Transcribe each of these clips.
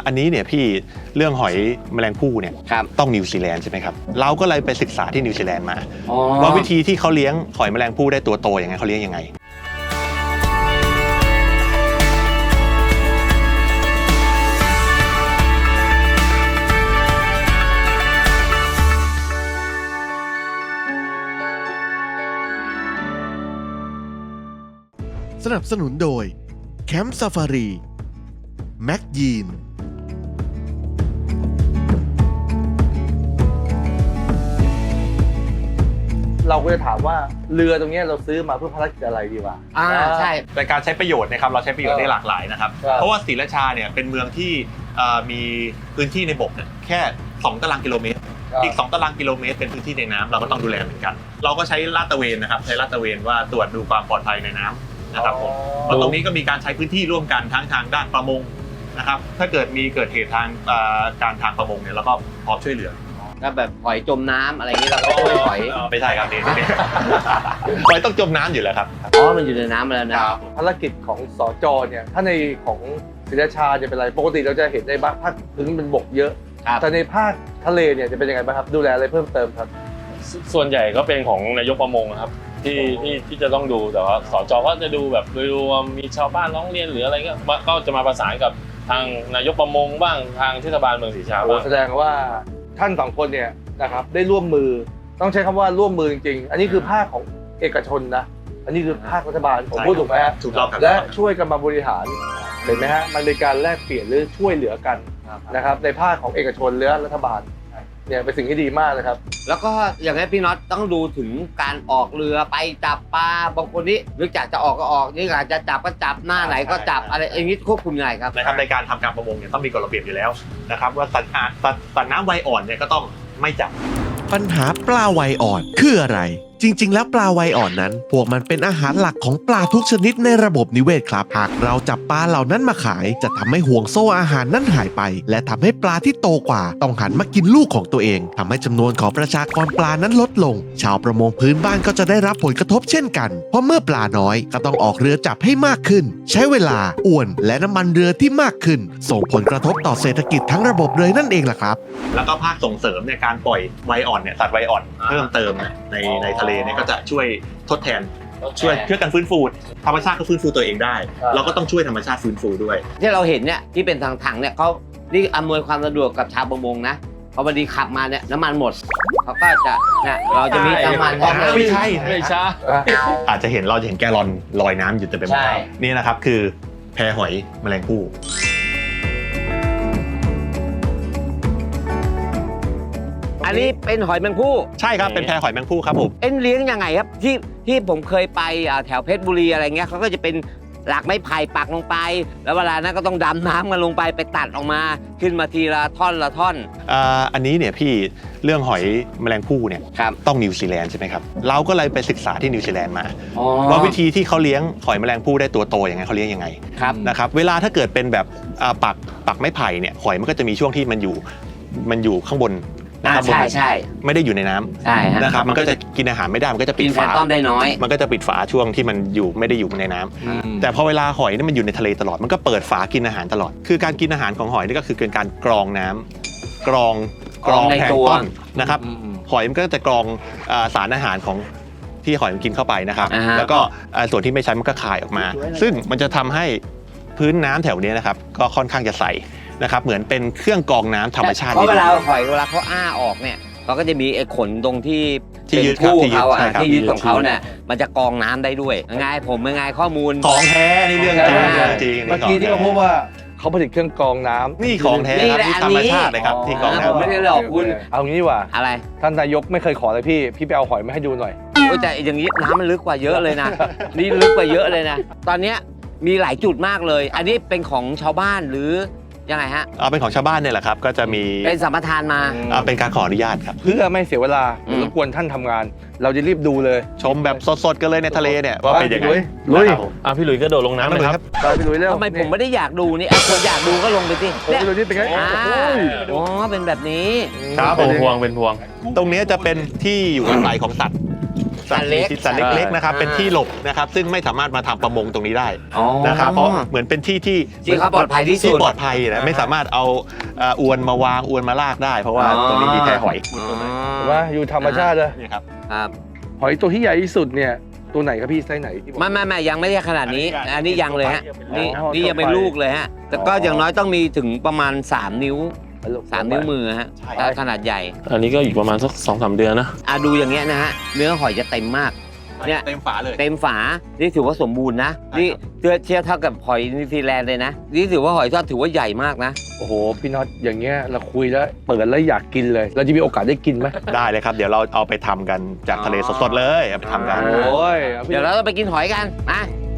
อันนี้เนี่ยพี่เรื่องหอยแมลงภู่เนี่ยต้องนิวซีแลนด์ใช่ไหมครับเราก็เลยไปศึกษาที่นิวซีแลนด์มาว่าวิธีที่เขาเลี้ยงหอยแมลงภู่ได้ตัวโตอย่างไงเขาเลี้ยงยังไงสนับสนุนโดยแคมป์ซาฟารีแม็กยีนเราก็จะถามว่าเรือตรงนี้เราซื้อมาเพื่อภารกิจอะไรดีวะใช่ในการใช้ประโยชน์นะครับเราใช้ประโยชน์ได้หลากหลายนะครับเพราะว่าศรีราชาเนี่ยเป็นเมืองที่มีพื้นที่ในบกเนี่ยแค่2 ตารางกิโลเมตรอีก2 ตารางกิโลเมตรเป็นพื้นที่ในน้ำเราก็ต้องดูแลเหมือนกันเราก็ใช้ลาดตระเวนนะครับใช้ลาดตระเวนว่าตรวจดูความปลอดภัยในน้ำนะครับผมเพราะตรงนี้ก็มีการใช้พื้นที่ร่วมกันทั้งทางด้านประมงนะครับถ้าเกิดเหตุทางการทางประมงเนี่ยเราก็พร้อมช่วยเหลือถ้าแบบหอยจมน้ำอะไรอย่างนี้เราก็ช่วยหอยไม่ใช่ครับนี่หอยต้องจมน้ำอยู่แล้วครับมันอยู่ในน้ำแล้วนะภารกิจของสจ.เนี่ยถ้าในของศรีราชาจะเป็นอะไรปกติเราจะเห็นในภาคพื้นเป็นบกเยอะแต่ในภาคทะเลเนี่ยจะเป็นยังไงบ้างครับดูแลอะไรเพิ่มเติมครับส่วนใหญ่ก็เป็นของนายกประมงครับที่จะต้องดูแต่ว่าสจ.ก็จะดูแบบโดยรวมมีชาวบ้านร้องเรียนหรืออะไรก็จะมาประสานกับทางนายกประมงบ้างทางเทศบาลเมืองศรีราชาบ้างแสดงว่าท่าน2 คนเนี่ยนะครับได้ร่วมมือต้องใช้คำว่าร่วมมือจริงๆอันนี้คือภาคของเอกชนนะอันนี้คือภาครัฐบาลผมพูดถูกไหมฮะถูกต้องครับและช่วยกันมาบริหารเห็นไหมฮะมันเป็นการแลกเปลี่ยนหรือช่วยเหลือกันนะครับในภาคของเอกชนหรือรัฐบาลเนี่ยเป็นสิ่งที่ดีมากนะครับแล้วก็อย่างนี้พี่น็อตต้องดูถึงการออกเรือไปจับปลาบางคนนี่นึกจากจะออกก็ออกนี่อยากจะจับก็จับหน้าไหนก็จับอะไรอย่างนี้ควบคุมยังไงครับในการทำการประมงเนี่ยต้องมีกฎระเบียบอยู่แล้วนะครับว่าสัตว์น้ำวัยอ่อนเนี่ยก็ต้องไม่จับปัญหาปลาวัยอ่อนคืออะไรจริงๆแล้วปลาวัยอ่อนนั้นพวกมันเป็นอาหารหลักของปลาทุกชนิดในระบบนิเวศครับหากเราจับปลาเหล่านั้นมาขายจะทำให้ห่วงโซ่อาหารนั้นหายไปและทำให้ปลาที่โตกว่าต้องหันมากินลูกของตัวเองทำให้จำนวนของประชากรปลานั้นลดลงชาวประมงพื้นบ้านก็จะได้รับผลกระทบเช่นกันเพราะเมื่อปลาน้อยก็ต้องออกเรือจับให้มากขึ้นใช้เวลาอ้วนและน้ำมันเรือที่มากขึ้นส่งผลกระทบต่อเศรษฐกิจทั้งระบบเลยนั่นเองล่ะครับแล้วก็ภาคส่งเสริมในการปล่อยวัยอ่อนเนี่ยสัตว์วัยอ่อนเพิ่มเติมในทะเลเนี่ยก็จะช่วยทดแทนช่วยกันฟื้นฟูธรรมชาติก็ฟื้นฟูตัวเองได้เราก็ต้องช่วยธรรมชาติฟื้นฟูด้วยที่เราเห็นเนี่ยที่เป็นถังเนี่ยเขานี่อำนวยความสะดวกกับชาวประมงนะพอพอดีขับมาเนี่ยน้ำมันหมดเขาก็จะเนี่ยเราจะมีน้ำมันไม่ใช่อาจจะเราจะเห็นแกลลอนลอยน้ำอยู่เต็มไปหมดนี่นะครับคือแพหอยแมลงภู่อันนี้เป็นหอยแมงภู่ใช่ครับเป็นแพหอยแมงภู่ครับผมเลี้ยงยังไงครับที่ผมเคยไปแถวเพชรบุรีอะไรเงี้ยเขาก็จะเป็นหลักไม้ไผ่ปักลงไปแล้วเวลานั้นก็ต้องดำน้ำกันลงไปตัดออกมาขึ้นมาทีละท่อนละท่อนอันนี้เนี่ยพี่เรื่องหอยแมลงภู่เนี่ยต้องนิวซีแลนด์ใช่ไหมครับเราก็เลยไปศึกษาที่นิวซีแลนด์มาว่าวิธีที่เขาเลี้ยงหอยแมลงภู่ได้ตัวโตอย่างไงเขาเลี้ยงยังไงนะครับเวลาถ้าเกิดเป็นแบบปักไม้ไผ่เนี่ยหอยมันก็จะมีช่วงที่มันอยู่ข้างบนใช่ไม่ได้อยู่ในน้ำนะครับมันก็จะกินอาหารไม่ได้มันก็จะปิดฝาได้น้อยมันก็จะปิดฝาช่วงที่มันไม่ได้อยู่ในน้ำแต่พอเวลาหอยนี่มันอยู่ในทะเลตลอดมันก็เปิดฝากินอาหารตลอดคือการกินอาหารของหอยนี่ก็คือการกรองน้ำกรองแพลงก์ต้นนะครับหอยมันก็จะกรองสารอาหารของที่หอยมันกินเข้าไปนะครับแล้วก็ส่วนที่ไม่ใช้มันก็คายออกมาซึ่งมันจะทำให้พื้นน้ำแถวนี้นะครับก็ค่อนข้างจะใสนะครับเหมือนเป็นเครื่องกรองน้ำธรรมชาติเพราะเวลาหอยเวลาเขาอ้าออกเนี่ยเขาก็จะมีไอ้ขนตรงที่ยึดที่ยึดของเขาเนี่ยมันจะกรองน้ำได้ด้วยไงผมเป็นไงข้อมูลของแท้นี่เรื่องจริงเมื่อกี้ที่เราพูดว่าเขาผลิตเครื่องกรองน้ำนี่ของแท้ครับที่ธรรมชาติเลยครับที่กรองน้ำไม่ได้หลอกคุณเอางี้ว่าอะไรท่านนายกไม่เคยขอเลยพี่ไปเอาหอยมาให้ดูหน่อยแต่อย่างนี้น้ำมันลึกกว่าเยอะเลยนะนี่ลึกกว่าเยอะเลยนะตอนนี้มีหลายจุดมากเลยอันนี้เป็นของชาวบ้านหรือยังไงฮะเป็นของชาวบ้านเนี่ยแหละครับก็จะมีเป็นสัมปทานมาเป็นการขออนุญาตครับเพื่อไม่เสียเวลารบกวนท่านทำงานเราจะรีบดูเลยชมแบบสดๆกันเลยในทะเลเนี่ยว่าเป็นยังไงลุยพี่หลุยส์ก็โดดลงน้ำเลยครับพี่หลุยส์เร็วทำไมผมไม่ได้อยากดูนี่คนอยากดูก็ลงไปสิพี่หลุยส์นี่เป็นไงเป็นแบบนี้ครับเป็นพวงตรงนี้จะเป็นที่อยู่อาศัยของสัตว์สัตว์มีพิษสัตว์เล็กๆนะครับเป็นที่หลบนะครับซึ่งไม่สามารถมาทำประมงตรงนี้ได้นะครับเพราะเหมือนเป็นที่ที่เขาปลอดภัยที่สุดปลอดภัยนะไม่สามารถเอาอวนมาวางอวนมาลากได้ เพราะว่าตรงนี้มีแพหอยเห็นไหมอยู่ธรรมชาติเลยนี่ครับครับหอยตัวที่ใหญ่ที่สุดเนี่ยตัวไหนครับพี่ไซส์ไหนที่บอกไม่ยังไม่ได้ขนาดนี้ อันนี้ยังเลยฮะนี่อ๋อนี่ยังเป็นลูกเลยฮะแต่ก็อย่างน้อยต้องมีถึงประมาณ3 นิ้ว 3 นิ้วมือฮะถ้าขนาดใหญ่อันนี้ก็อีกประมาณสัก2-3 เดือนนะดูอย่างเงี้ยนะฮะเนื้อหอยจะเต็มมากเนี่ยเต็มฝาเลยเต็มฝานี่ถือว่าสมบูรณ์นะนี่เทียบเท่ากับหอยนิวซีแลนด์เลยนะนี่ถือว่าหอยทอดถือว่าใหญ่มากนะโอ้โหพี่น็อตอย่างเงี้ยเราคุยแล้วเปิดแล้วอยากกินเลย เราจะมีโอกาสได้กินไหมได้เลยครับ เดี๋ยวเราเอาไปทำกันจากทะเลสดๆเลยเอาไปทำกันโอ้ยเดี๋ยวเราต้องไปกินหอยกันมา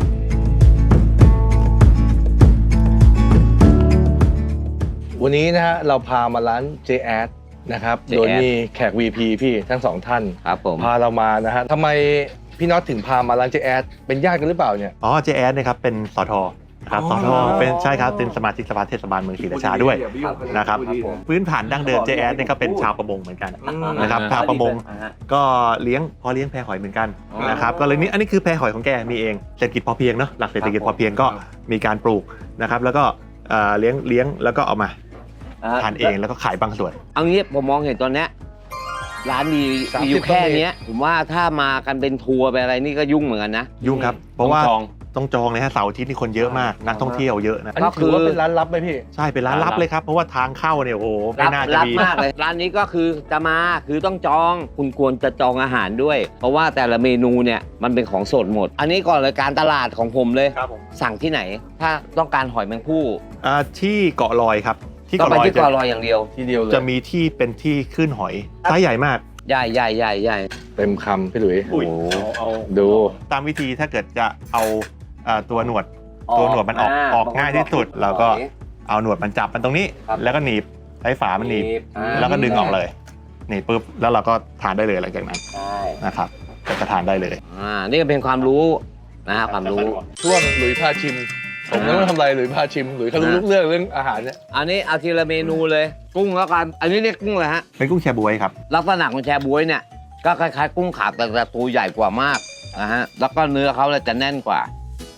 วันนี้นะฮะเราพามาร้านเจแอดนะครับโดยมีแขก VP พี่ทั้งสองท่านครับผมพาเรามานะฮะทำไมพี่น็อตถึงพามาร้านเจแอดเป็นญาติกันหรือเปล่าเนี่ยอ๋อ JS นะครับเป็นสทนะครับสทเป็นใช่ครับเป็นสมาชิกสภาเทศบาลเมืองศรีราชาด้วยนะครับพื้นฐานดั้งเดิม JS เนี่ยก็เป็นชาวประมงเหมือนกันนะครับชาวประมงก็เลี้ยงแพหอยเหมือนกันนะครับก็เลยนี่อันนี้คือแพหอยของแกมีเองเศรษฐกิจพอเพียงเนาะหลักเศรษฐกิจพอเพียงก็มีการปลูกนะครับแล้วก็เลี้ยงแล้วก็เอามาทานเองแล้วก็ขายบางส่วนเอางี้ผมมองเห็นตอนเนี้ยร้านมีอยู่แค่เนี้ยผมว่าถ้ามากันเป็นทัวร์ไปอะไรนี่ก็ยุ่งเหมือนกันนะยุ่งครับเพราะว่าต้องจองต้องจองเลยฮะเสาร์อาทิตย์นี่คนเยอะมากนักท่องเที่ยวเยอะนะอันนี้ถือว่าเป็นร้านลับไหมพี่ใช่เป็นร้านลับเลยครับเพราะว่าทางเข้าเนี่ยโอ้โหไม่น่าจะรับมีมากเลยร้านนี้ก็คือจะมาคือต้องจองคุณควรจะจองอาหารด้วย เพราะว่าแต่ละเมนูเนี่ยมันเป็นของสดหมด อันนี้ก่อนเลยการตลาดของผมเลยครับผมสั่งที่ไหน ถ้าต้องการหอยแมงผู้ที่เกาะลอยครับที่ต้องเกาะไปลอยที่เกาะลอยอย่างเดียวทีเดียวเลยจะมีที่เป็นที่ขึ้นหอยไซส์ใหญ่มากใหญ่เต็มคำพี่หลุยอุ้ยดูตามวิธีถ้าเกิดจะเอาตัวหนวดมันออกง่ายที่สุดเราก็เอาหนวดมันจับมันตรงนี้ แล้วก็หนีบใช้ฝามันหนีบแล้วก็ดึงออกเลยหนีบปุ๊บแล้วเราก็ทานได้เลยหลังจากนั้นนะครับก็จะทานได้เลยนี่ก็เป็นความรู้นะฮะความรู้ช่วงหลุยพาชิม ผมไม่ต้องทำอะไรหลุยพาชิมหลุยเขารู้ทุกเรื่องอาหารเนี่ยอันนี้เอาทีละเมนูเลย กุ้งแล้วกันอันนี้เรียกกุ้งเลยฮะเป็นกุ้งแชบ๊วยครับลักษณะของแชบ๊วยเนี่ยก็คล้ายๆกุ้งขาบแต่ตัวใหญ่กว่ามากนะฮะแล้วก็เนื้อเขาเลยจะแน่นกว่า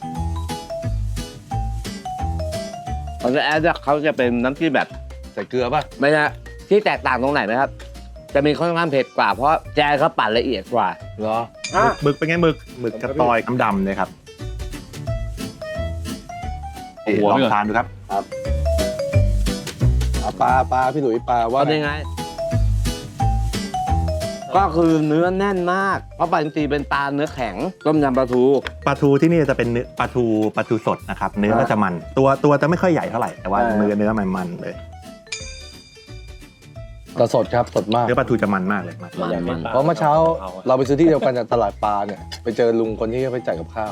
ของแอดเขาจะเป็นน้ำจิ้มแบบใส่เกลือป่ะไม่ใช่ที่แตกต่างตรงไหนไหมครับ จะมีค่อนข้างเผ็ดกว่าเพราะแจเขาปั่นละเอียดกว่าเหรอหมึกเป็นไงหมึกกระตอยดำๆเลยครับหัวลอไปงก่อนทานดูครับปลาพี่หลุยปลาว่าว่ายังไง ก็คือเนื้อแน่นมาก เพราะปลาอินทรีเป็นปลาเนื้อแข็งต้มยำปลาทูปลาทูที่นี่จะเป็นเนื้อปลาทูสดนะครับเนื้อก็จะมันตัวจะไม่ค่อยใหญ่เท่าไหร่แต่ว่าเนื้อมันเลยกระสดครับสดมากเนื้อปลาทูจะมันมากเลยมันเพราะเมื่อเช้าเราไปซื้อที่เดียวกันจากตลาดปลาเนี่ยไปเจอลุงคนที่ไปจ่ายกับข้าว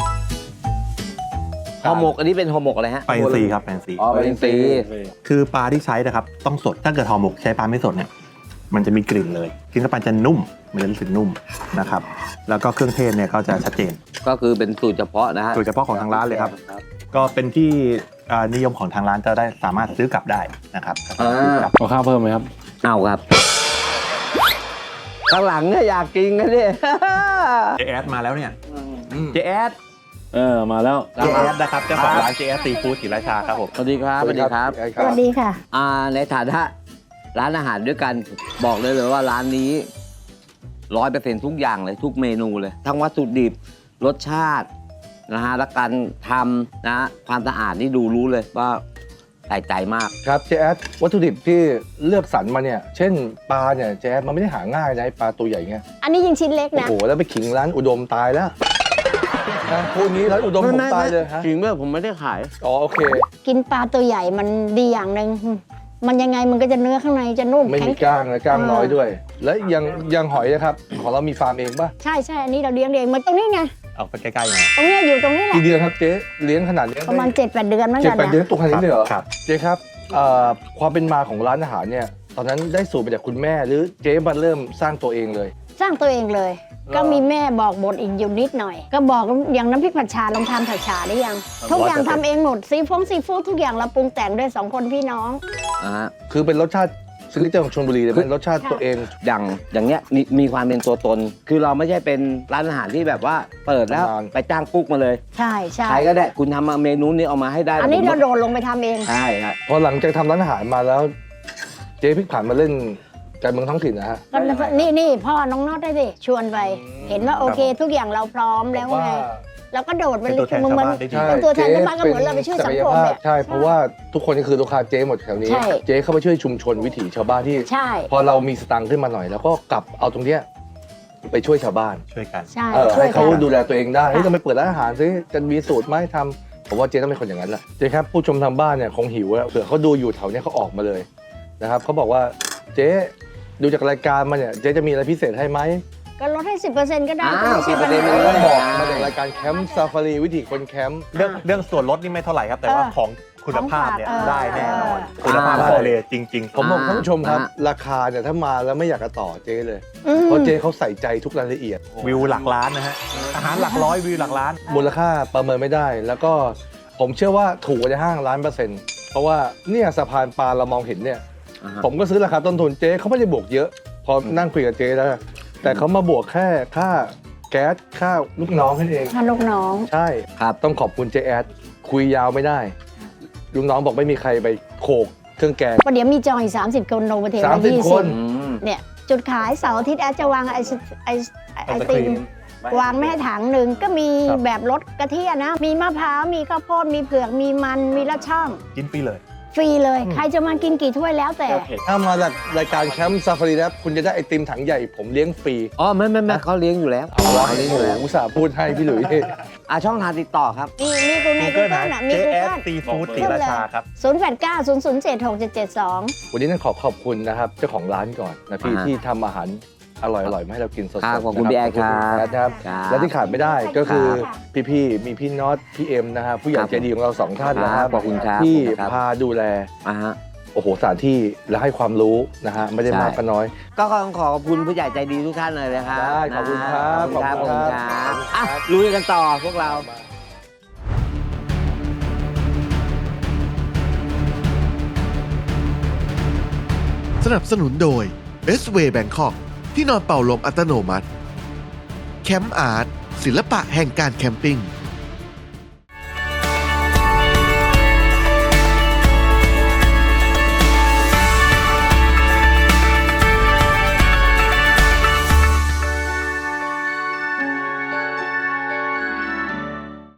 ห่อหมกอันนี้เป็นห่อหมกอะไรฮะปลาอินทรีครับปลาอินทรีปลาอินทรีคือปลาที่ใช้นะครับต้องสดถ้าเกิดห่อหมกใช้ปลาไม่สดเนี่ยมันจะมีกลิ่นเลยกินเข้าไปจะนุ่มมันจะรู้สึกนุ่มนะครับแล้วก็เครื่องเทศเนี่ยก็จะชัดเจนก็คือเป็นสูตรเฉพาะนะฮะสูตรเฉพาะของทางร้านเลยครับ ก็เป็นที่นิยมของทางร้านจะได้สามารถซื้อกลับได้นะครับซื้อกลับเอาข้าวเพิ่มไหมครับเอาครับข้างหลังเนี่ยอยากกินกันดิเจแอดมาแล้วเนี่ยเจแอดมาแล้วเจแอดนะครับเจ้าของร้านเจแอดซีฟู้ดศรีราชาครับผมสวัสดีครับสวัสดีครับสวัสดีค่ะในฐานะร้านอาหารด้วยกันบอกเลยว่าร้านนี้100%ทุกอย่างเลยทุกเมนูเลย ทั้งวัตถุดิบรสชาตินะฮะและการทำนะความสะอาดนี่ดูรู้เลยว่าใส่ใจมากครับเจแอดวัตถุดิบที่เลือกสรรมาเนี่ยเช่นปลาเนี่ยเจแอดมันไม่ได้หาง่ายนะไอ้ปลาตัวใหญ่เงี้ยอันนี้ยิงชิ้นเล็กโอ้นะโหแล้วไปขิงร้านอุดมตายแล้วนะพูดงี้ร้านอุดมผมตายเลยฮะจริงเมื่อผมไม่ได้ขายอ๋อโอเคกินปลาตัวใหญ่มันดีอย่างหนึ่งมันยังไงมันก็จะเนื้อข้างในจะนุ่มไม่แข็มีงกล้างนะกล้างน้อยด้วย และยังหอยนะครับของเรามีฟาร์มเองป่ะใช่อันนี้เราเลี้ยงเองมันตรงนี้ไงเอาไปใกล้ๆหน่อยตรงเนี้ยอยู่ตรงนี้แหละกี่เดือนครับเจ๊เลี้ยงขนาดนี้ประมาณ 7-8 เดือนเหมือนเจ็ดกันแปดเดือนนะตัวขนาดนี้เลยเหรอครับเจ๊ครับความเป็นมาของร้านอาหารเนี่ยตอนนั้นได้สูตรมาจากคุณแม่หรือเจ๊มาเริ่มสร้างตัวเองเลยสร้างตัวเองเลย ก็มีแม่บอกบทอีกอยู่นิดหน่อย ก็บอกอย่างน้ำพริกผัดชาลองทำผัดชาได้ยัง ทุกอย่างทำเองหมดซีฟู้ดทุกอย่างเราปรุงแต่งด้วย2 คนพี่น้องคือเป็นรสชาติซิกเนเจอร์ของชลบุรีเลยเป็นรสชาติตัวเองอย่างเงี้ยมีความเป็นตัวตน คือเราไม่ใช่เป็นร้านอาหารที่แบบว่าเปิดแล้วนานไปจ้างกุ๊กมาเลยใช่ใช่ใครก็ได้คุณทำมาเมนูนี้เอามาให้ได้อันนี้ผมเราโดดลงไปทำเองใช่ครับพอหลังจากทำร้านอาหารมาแล้ว เจ๊พลิกผันมาเล่นการเมืองท้องถิ่นนะฮะก็นี่พ่อน้องน็อตได้สิชวนไป เห็นว่าโอเค ทุกอย่างเราพร้อมแล้วไงเราก็โดดไปเป็นตัวแทนชาวบ้านได้ดีเป็นตัวแทนชาวบ้านก็เหมือนเราไปช่วยสังคมเนี่ยใช่เพราะว่าทุกคนนี่คือลูกค้าเจ๊หมดแถวนี้ใช่เจ๊เข้าไปช่วยชุมชนวิถีชาวบ้านที่ใช่พอเรามีสตังค์ขึ้นมาหน่อย แล้วก็กลับเอาตรงเนี้ยไปช่วยชาวบ้านช่วยกันใช่ให้ช่วยกัเขานดูแลตัวเองได้เฮ้ยค่ะเราไปเปิดร้านอาหารซิจะมีสูตรไหมทำผมว่าเจ๊ต้องเป็นคนอย่างนั้นแหละเจ๊ครับผู้ชมทางบ้านเนี่ยคงหิวอะเผื่อเขาดูอยู่แถวเนี้ยเขาออกมาเลยนะครับเขาบอกว่าเจ๊ดูจากรายการมาเนี่ยเจ๊จะมีอะไรพิเศษให้ไหมก็ลดให้ 10%ก็ได้อ้าวไม่ใช่ปัญ 10% หาเลยต้องบอกมาจากรายการแคมป์ซาฟารีวิถีคนแคมป์เรื่องส่วนลดนี่ไม่เท่าไหร่ครับ แต่ว่าของคุณภาพเนี่ยของฝากได้แน่นอนเออคุณภาพทะเลจริงผมบอกท่านผู้ชมครับอ่าราคาเนี่ยถ้ามาแล้วไม่อยากจะต่อเจ๊เลยอืมเพราะเจ๊เขาใส่ใจทุกรายละเอียดๆ วิวหลักล้านนะฮะ อาหารหลักร้อยวิวหลักล้านมูลค่าประเมินไม่ได้ แล้วก็ผมเชื่อว่าถูกกว่าในห้าง1,000,000%เพราะว่าเนี่ยสะพานปลาเรามองเห็นเนี่ยอ่าฮะผมก็ซื้อราคาต้นทุนเจ๊เขาไม่ได้บวกเยอะ พอนั่งคุยกับเจ๊แล้วแต่เขามาบวกแค่ค่าแก๊สค่าลูกน้องแค่นั้นเองถ้าลูกน้องใช่ครับต้องขอบคุณเจ๊แอดคุยยาวไม่ได้ลูกน้องบอกไม่มีใครไปโขกเครื่องแกงประเดี๋ยวมีจองอีก30 คนลงประเทศละ 30 คนอืมเนี่ยจุดขายเสาร์อาทิตย์แอดจะวางไอติมวางไม่ให้ถังหนึ่งก็มีครับแบบรสกะทิอะนะ มีมะพร้าว มีข้าวโพด มีเผือก มีมัน มีละช่องกินฟรีเลยฟรีเลย ใครจะมากินกี่ถ้วยแล้วแต่ถ้ามาจากรายการแคมป์ซาฟารีแล้วคุณจะได้ไอติมถังใหญ่ผมเลี้ยงฟรีอ๋อไม่เขาเลี้ยงอยู่แล้วเอาวะเขาเลี้ยงอยู่แล้วอุตส่าห์พูดให้พี่หลุยส์ช่องทางติดต่อครับมีกูใน Google นะน่ะมี JS Google Seafood ศรีราชาครับ 0890076772 วันนี้ต้องขอบคุณนะครับเจ้าของร้านก่อนนะพี่อ่าที่ทำอาหารอร่อยๆมาให้เรากินสดๆครับขอบคุณนะพี่แอดขอบณครับแอดนะครับครับและที่ขาดไม่ได้ก็คือครับพี่ๆมีพี่น็อตพี่เอ็มนะฮะผู้ใหญ่ครับใจดีของเราสองท่านนะครับขอบคุณครับที่ขอบคุณครับพาดูแลอ่าฮะโอ้โหสถานที่และให้ความรู้นะฮะไม่ได้ใช่มากก็น้อยก็ต้องขอบคุณผู้ใหญ่ใจดีทุกท่านเลยนะครับได้ขอบคุณครับขอบคุณครับขอบคุณครับอ่ะลุยกันต่อพวกเราสนับสนุนโดย S-Way Bangkok ที่นอนเป่าลมอัตโนมัติ แคมป์อาร์ตศิลปะแห่งการแคมปิ้ง